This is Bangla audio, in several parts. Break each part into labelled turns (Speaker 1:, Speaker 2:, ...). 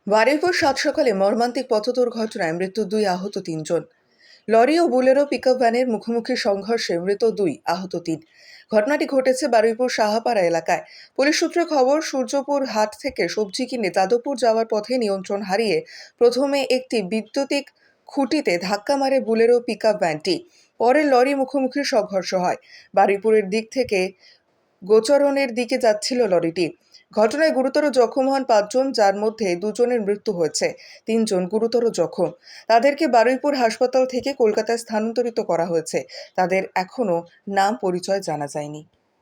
Speaker 1: বারুইপুর সাত সকালে মর্মান্তিক পথ দুর্ঘটনায় মৃত্যু 2, আহত 3 জন। লরি ও বুলেরো পিকআপ ভ্যানের মুখোমুখি সংঘর্ষে মৃত 2, আহত 3। ঘটনাটি ঘটেছে বারুইপুর সাহাপাড়া এলাকায়। পুলিশ সূত্রে খবর, সূর্যপুর হাট থেকে সবজি কিনে যাদবপুর যাওয়ার পথে নিয়ন্ত্রণ হারিয়ে প্রথমে একটি বৈদ্যুতিক খুঁটিতে ধাক্কা মারে বুলেরো পিকআপ ভ্যানটি। পরে লরি মুখোমুখি সংঘর্ষ হয়। বারুইপুরের দিক থেকে গোচরণের দিকে যাচ্ছিল লরিটি। ঘটনায় গুরুতর জখম হন 5 জন, যার মধ্যে 2 জনের মৃত্যু হয়েছে, 3 জন গুরুতর জখম। তাদেরকে বারুইপুর হাসপাতাল থেকে কলকাতায় স্থানান্তরিত করা হয়েছে। তাদের এখনো নাম পরিচয় জানা যায়নি।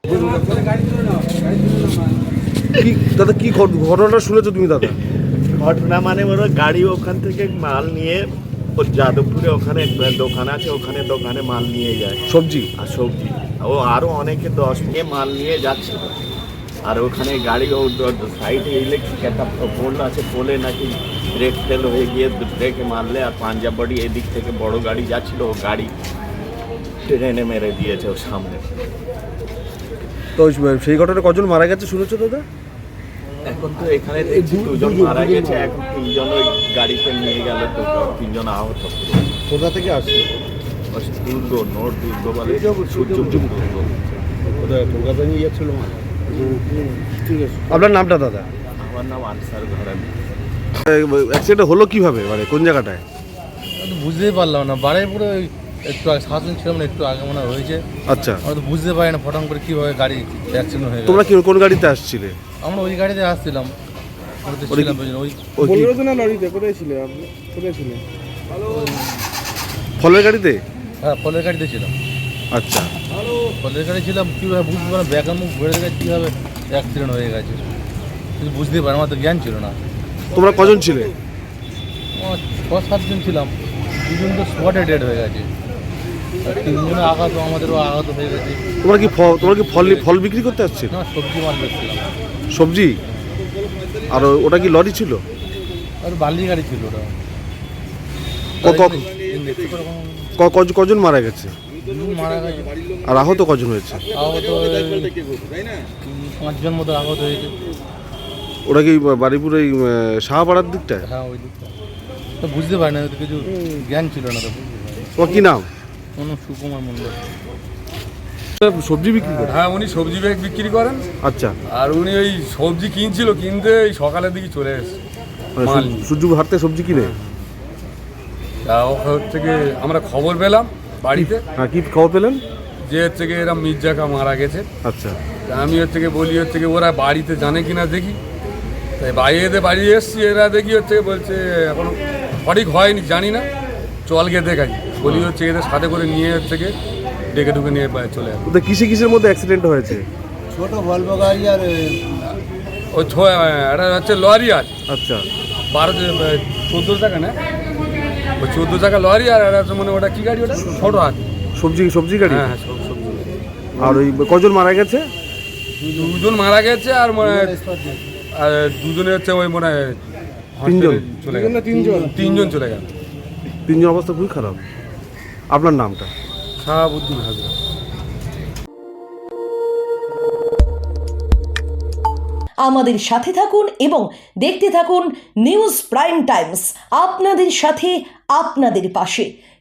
Speaker 2: দাদা কি ঘটনাটা শুনেছো তুমি দাদা?
Speaker 3: ঘটনা মানে ওরা গাড়ি ওখান থেকে মাল নিয়ে ও যাদবপুরে ওখানে দোকান আছে, ওখানে দোকানে মাল নিয়ে যায়
Speaker 2: সবজি
Speaker 3: সবজি। ও আরও অনেকে 10 নিয়ে মাল নিয়ে যাচ্ছিল। আর ওখানে গাড়ি ও সাইডে ইলেকট্রিক একটা পোল আছে, পোলে নাকি ব্রেক ফেল হয়ে গিয়ে ব্রেকে মারলে আর পাঞ্জাব বাড়ি এদিক থেকে বড় গাড়ি যাচ্ছিল, ও গাড়ি ট্রেনে মেরে দিয়েছে ওর সামনে।
Speaker 2: তো সেই ঘটনায় কজন মারা গেছে শুনেছো দাদা?
Speaker 3: এখন তো এখানে দেখছি 2 জন মারা গেছে, এখন 3 জন ওই গাড়িতে নিয়ে গেল, তো 3 জন আহত।
Speaker 2: কোথা থেকে আসছে?
Speaker 3: দুর্গ, নোট দুর্গ বলে, সূর্যপুর দুর্গ।
Speaker 2: কোথায় কলকাতা নিয়ে যাচ্ছিল? ঠিক আছে। আপনার নামটা দাদা?
Speaker 3: আমার নাম আনসার ঘরামি।
Speaker 2: অ্যাক্সিডেন্ট হলো কিভাবে, মানে কোন জায়গাটায়?
Speaker 4: বুঝতেই পারলাম না। বারুইপুরে একটু আগে 7 জন ছিলাম না, একটু আগে মনে হয়েছে।
Speaker 2: আচ্ছা,
Speaker 4: আমরা তো বুঝতে পারি না ফটাম করে কীভাবে গাড়ি অ্যাক্সিডেন্ট হয়ে গেল।
Speaker 2: তোমরা কোন গাড়িতে আসছিলে?
Speaker 4: আমরা ওই গাড়িতে আসছিলাম।
Speaker 2: ফলের গাড়িতে?
Speaker 4: হ্যাঁ, ফলের গাড়িতে ছিলাম।
Speaker 2: আচ্ছা,
Speaker 4: ফলের গাড়ি ছিলাম, কীভাবে বুঝতে পারলাম ব্যাগের মুখ ঘুরে গেছে, কীভাবে অ্যাক্সিডেন্ট হয়ে গেছে কিন্তু বুঝতেই পারি, আমার তো জ্ঞান ছিল না।
Speaker 2: তোমরা কজন ছিলে?
Speaker 4: আমার 6-7 জন ছিলাম। 2 জন তো স্পটে ডেড হয়ে গেছে, আর 3 জনের আঘাত, আমাদেরও আঘাত হয়ে গেছে।
Speaker 2: তোমরা কি ফল বিক্রি করতে আসছিল?
Speaker 4: না, সবজি মাল বেচছিলাম।
Speaker 2: সবজি? আর ওটা কি লরি ছিল?
Speaker 4: আর বালি গাড়ি ছিল ওটা।
Speaker 2: কজন মারা গেছে?
Speaker 4: মারা গেছে।
Speaker 2: আর আহত কজন হয়েছে?
Speaker 4: আহত 5 জন মতো আহত হয়েছে।
Speaker 2: ওটা কি বারুইপুর এই সাহাপাড়ার দিকটায়?
Speaker 4: হ্যাঁ, ওই দিকটা তো বুঝতে পারি না, তো কিছু জ্ঞান ছিল না। তো
Speaker 2: তোমার কি নাম?
Speaker 4: কোনো সুকুমার মণ্ডল।
Speaker 2: সবজি বিক্রি করে?
Speaker 5: হ্যাঁ, উনি সবজি ব্যাগ বিক্রি করেন।
Speaker 2: আচ্ছা,
Speaker 5: আর উনি ওই সবজি কিনছিল, কিনতে এই সকালের দিকে চলে এসেছে মাল নিয়ে।
Speaker 2: সূর্যপুর হাট থেকে সবজি কিনে?
Speaker 5: তা হচ্ছে কি আমরা খবর পেলাম বাড়িতে,
Speaker 2: হ্যাঁ, কি খবর পেলেন?
Speaker 5: যে হচ্ছে কি এরা মির্জাকা মারা গেছে।
Speaker 2: আচ্ছা,
Speaker 5: তা আমি হচ্ছে কি বলি হচ্ছে কি ওরা বাড়িতে জানে কিনা দেখি। তাই বাইরে বাড়ি এসছি, এরা দেখি হচ্ছে বলছে এখন সঠিক হয়নি, জানি না, চল গিয়ে দেখাই। বলি হচ্ছে এদের সাথে করে নিয়ে হচ্ছে কি ডেকে ঢুকে নিয়ে চলে আসে।
Speaker 2: ওদের কিসের মধ্যে অ্যাক্সিডেন্ট হয়েছে?
Speaker 4: ছোট ভলভো গাড়ি আর
Speaker 5: ওই এটা হচ্ছে লরি আছে।
Speaker 2: আচ্ছা,
Speaker 5: 14 টাকা না, ওই 14 টাকা লরি, আর একটা মানে ওটা কি গাড়ি, ওটা ছোট আছে
Speaker 2: সবজি গাড়ি?
Speaker 5: হ্যাঁ, সবজি।
Speaker 2: আর ওই কজন মারা গেছে?
Speaker 5: 2 জন মারা গেছে, আর মানে আর 2 জনে হচ্ছে ওই মানে
Speaker 2: 3 জন
Speaker 5: চলে গেল। 3 জন চলে গেল।
Speaker 2: 3 জন অবস্থা খুবই খারাপ। আপনার নামটা?
Speaker 5: শাহাবুদ্দিন হাজরা।
Speaker 6: আমাদের সাথে থাকুন এবং দেখতে থাকুন নিউজ প্রাইম টাইমস, আপনাদের সাথে, আপনাদের পাশে।